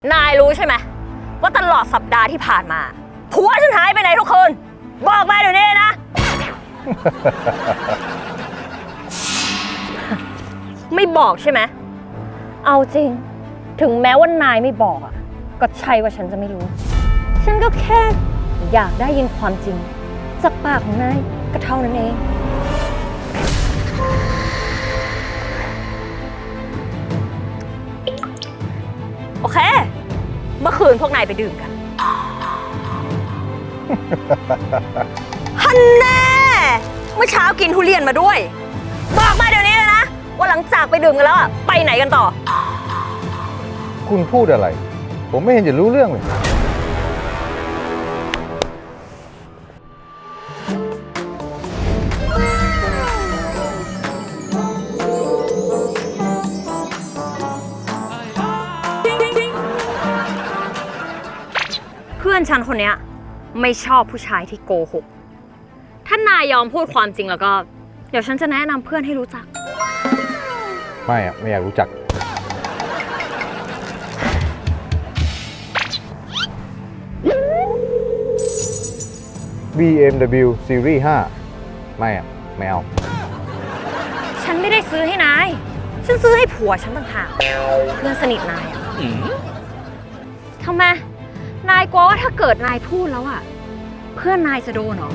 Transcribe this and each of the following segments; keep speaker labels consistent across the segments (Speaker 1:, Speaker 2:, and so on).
Speaker 1: นายรู้ใช่ไหมว่าตลอดสัปดาห์ที่ผ่านมาผัวฉันหายไปไหนทุกคืนบอกมาเดี๋ยวนี้นะ ไม่บอกใช่ไหมเอาจริงถึงแม้ว่านายไม่บอกอ่ะก็ใช่ว่าฉันจะไม่รู้ฉันก็แค่อยากได้ยินความจริงจากปากของนายก็เท่านั้นเองโอเคเมื่อคืนพวกนายไปดื่มกัน ฮันแน่เมื่อเช้ากินทุเรียนมาด้วยบอกมาเดี๋ยวนี้เลยนะว่าหลังจากไปดื่มกันแล้วอะไปไหนกันต่อ
Speaker 2: คุณพูดอะไรผมไม่เห็นจะรู้เรื่องเลย
Speaker 1: เพื่อนฉันคนเนี้ยไม่ชอบผู้ชายที่โกหกถ้านายยอมพูดความจริงแล้วก็เดี๋ยวฉันจะแนะนำเพื่อนให้รู้จัก
Speaker 2: ไม่อยากรู้จัก BMW Series 5ไม่เอา
Speaker 1: ฉันไม่ได้ซื้อให้นายฉันซื้อให้ผัวฉันต่างหากเพื่อนสนิทนายอะทำไมนายกลัวว่าถ้าเกิดนายพูดแล้วอะเพื่อนนายจะโดนเหรอ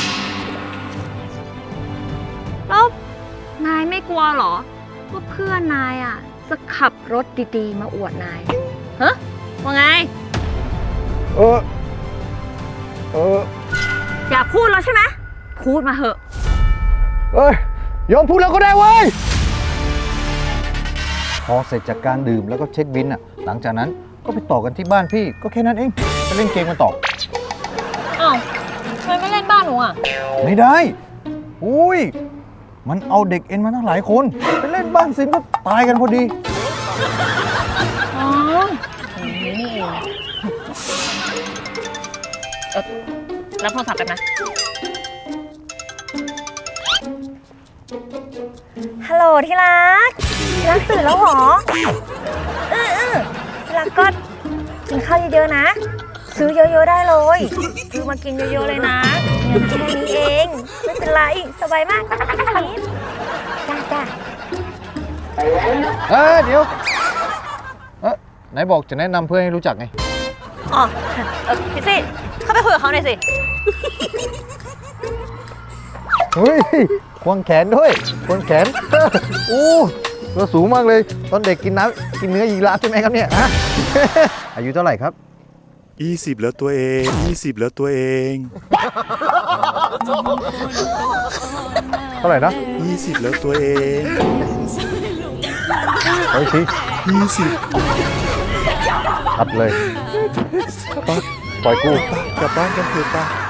Speaker 1: แล้วนายไม่กลัวเหรอว่าเพื่อนนายอะจะขับรถดีๆมาอวดนายฮะว่าไงอยากพูดแล้วใช่ไหมพูดมาเหอะ
Speaker 2: ยอมพูดแล้วก็ได้เว้ยพอเสร็จจากการดื่มแล้วก็เช็คบินอ่ะหลังจากนั้นก็ไปต่อกันที่บ้านพี่ก็แค่นั้นเองไปเล่นเกมกันต่อ
Speaker 1: อ้าวทำไมไม่เล่นบ้านหนูอ่ะ
Speaker 2: ไม่ได้อุ้ยมันเอาเด็กเอ็นมาตั้งหลายคนไปเล่นบ้านซิมก็ตายกันพอดี
Speaker 1: อ๋ออย่างนี้นี่เองรับโทรศัพท์แป๊บนะฮัลโหลที่รักตื่นแล้วเหรอที่รักก็กินข้าวเยอะๆนะซื้อเยอะๆได้เลยซื้อมากินเยอะๆเลยนะเงินแค่นี้เองไม่เป็นไรสบายมากนิดจ้า
Speaker 2: เดี๋ยวไหนบอกจะแนะนำเพื่อนให้รู้จักไง
Speaker 1: อ๋อพี่สิเข้าไปคุยกับเขาหน่อยสิ
Speaker 2: เฮ้ยควงแขนด้วยควงแขนตัวสูงมากเลยตอนเด็กกินเนื้อยีราฟใช่ไหมครับเนี่ยอายุเท่าไหร่ครับ
Speaker 3: 20แล้วตัวเอง
Speaker 2: เท่าไหร่นะ
Speaker 3: 20แล้วตัวเอง
Speaker 2: เฮ้ยสิ
Speaker 3: 20
Speaker 2: ตัดเลยปล่อยกู
Speaker 3: กลับบ้านกันเถอะป่ะ